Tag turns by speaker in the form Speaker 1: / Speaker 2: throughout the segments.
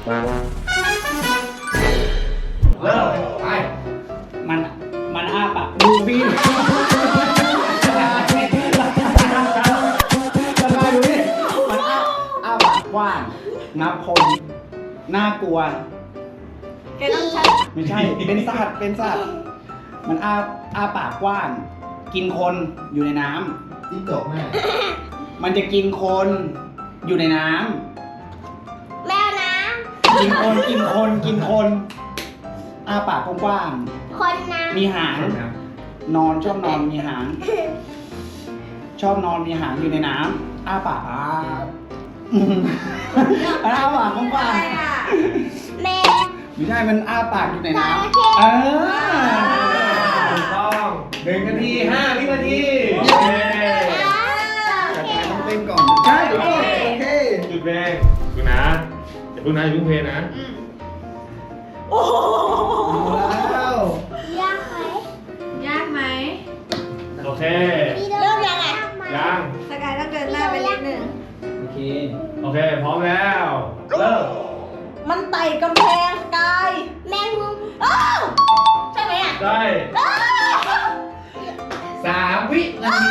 Speaker 1: เริ่มไป
Speaker 2: มันอ้าปากดูพี่สบายดูนี่มันอ้าปากกว้างงับคนน่ากลัว
Speaker 3: แกต้องใช้
Speaker 2: ไม่ใช่ เป็นสัตว์มันอ้าปากกว้าง กินคนอยู่ในน้ำ
Speaker 1: จิ้งจกแม่
Speaker 2: มันจะกินคนอยู่ในน้
Speaker 3: แมวน้
Speaker 2: ำกินคนอ้าปากกว้าง
Speaker 3: ำคนน้
Speaker 2: ๆมีหางชอบนอนมีหาง ชอบนอนมีหางอยู่ในน้ำอ้าปากมันอ้าปากก
Speaker 3: ำ
Speaker 2: ว้าง
Speaker 3: อะไรอ่ะแมว
Speaker 2: ๆไม่ใช่มันอ้าปากอยู่ในน้
Speaker 3: จระ
Speaker 2: ำ
Speaker 3: เข้
Speaker 1: ถูกต้อง1 นาที 5 วินาที
Speaker 2: ต้องเต้นก่อนใช่โอเค
Speaker 1: จุดเพลงดูนะอย่าเพิ่งเพลงนะ
Speaker 3: โอ้โห
Speaker 2: แล้ว
Speaker 3: ยากไหม
Speaker 4: ยากไหม
Speaker 1: โอเค
Speaker 3: เริ่มยังไง
Speaker 1: ยัง
Speaker 4: สกายต้องเดินหน้าไปนิดนึง
Speaker 2: โอเค
Speaker 1: โอเค พร้อมแล้ว เริ่ม
Speaker 4: มันไต่กำแพงสกาย
Speaker 3: แมงมุม
Speaker 4: อ้าวใช่ไหมอ่ะ
Speaker 1: ได้
Speaker 4: อ้าว
Speaker 1: 3 วินาที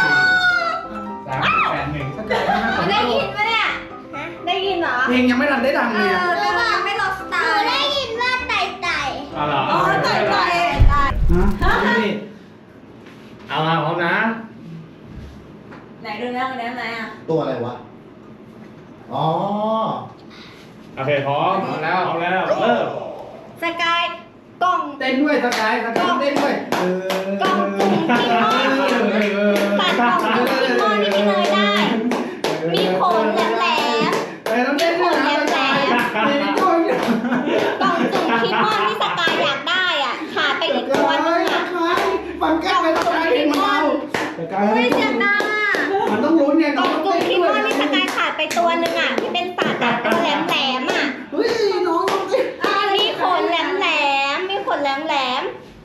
Speaker 1: 3 8 1
Speaker 2: สกายมาก
Speaker 4: ได้ยินปะเนี่ย ได้ยินเหรอ
Speaker 2: เพลงยังไม่ทันได้ดังเลยอะ
Speaker 4: แต่ว่ายังไม่ลดส
Speaker 3: ห
Speaker 4: ตา
Speaker 3: นู
Speaker 4: ร์
Speaker 3: ได้ยินว่าไต่ไต่
Speaker 1: เอาเหรอ
Speaker 4: อ๋อไต่ไต่ไต่
Speaker 2: ฮะดูดิ
Speaker 1: เอามาพร้อมนะ
Speaker 4: ไหนดูนะวันนี้ไหนอ่ะ
Speaker 5: ตัวอะไรวะ อ๋อ
Speaker 1: โอเค พร้อมแล้ว เริ่ม
Speaker 4: สกายกล่อง
Speaker 2: เต้นด้วยสกายเต้นด้วย
Speaker 4: กล่องจุ่มกิมอนตัดกล่องจุ่มกิมอนที่พี่เนยได้ มีขนแหลม
Speaker 2: ต้องเต้นด้วยนะสกายเต้นด้วย
Speaker 4: ๆกล่องจุ่มกิมอนที่สกายอยากได้อ่ะขาดไปอีกตัวนึงอ่ะ
Speaker 2: ฟังแก้วไปสกายเพลงมันเบาสกาย
Speaker 4: เฮ้ยเสียงดังอ่ะ
Speaker 2: มันต้องลุ้นไง
Speaker 4: กล่
Speaker 2: น้
Speaker 4: อ
Speaker 2: อง ง
Speaker 4: จุ่
Speaker 2: เต้
Speaker 4: ม
Speaker 2: น
Speaker 4: คิม
Speaker 2: ด้ว
Speaker 4: อย นที่สกายขาดไปตัวนึงอ่ะที่เป็นสัตว์อ่ะตัวแหลมอ่ะ
Speaker 2: เฮ้ยน้องต้องเต้น
Speaker 4: มีขนแหลมมีขนแหลม
Speaker 3: อะไรอ่ะ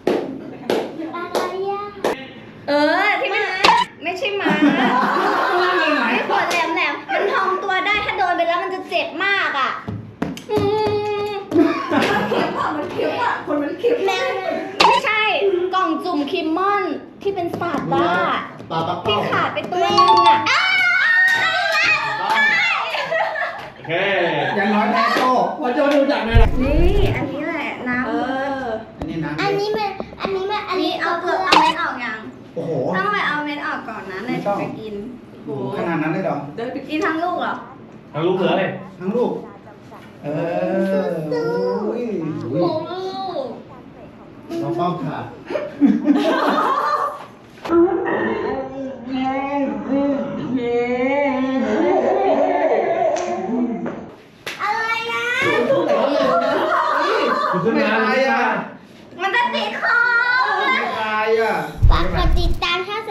Speaker 4: ที่มันไม่ใช่หมา
Speaker 2: ไหน
Speaker 4: มีขนแหลมมันพองตัวได้ถ้าโดนไปแล้วมันจะเจ็บมากอ่ะมันเขียวอ่ะคนมันเขียวแม่ไม่ใช่กล่องจุ่มคิมมอนที่เป็นสัตว์บ้า
Speaker 5: ปลาปัก
Speaker 4: ที่
Speaker 5: เป้า
Speaker 4: ขาดไปตัวนึงอ่ะ
Speaker 1: โอเค
Speaker 2: อย่างน้อยแพ้โจพอโจดูจากเลยล่ะ
Speaker 4: นี่อันนี้แหละน้ำ
Speaker 2: อันนี้นะ
Speaker 3: อันนี้
Speaker 4: อันนี้เอาเปลือกเอาเม็ดออกยัง
Speaker 2: โอ้โห
Speaker 4: ต้องไปเอาเม็ดออกก่อนนะเลยจะกิน
Speaker 2: ขนาดนั้นเลยเหรอ
Speaker 4: เดินไปกินทั้งลูกเหรอ
Speaker 1: ทางลูกเหลือเลย
Speaker 2: ทั้งลูกโอ้ย
Speaker 4: โอ้ลูก
Speaker 5: น้องป้อมค่ะ
Speaker 3: อะไรนะ
Speaker 1: คุณขึ้นมา
Speaker 2: ไม่ตายอ่ะ
Speaker 4: มันจะติดคอ
Speaker 2: ไม่ตายอ่ะ
Speaker 3: ฝากกดติดตามช่อง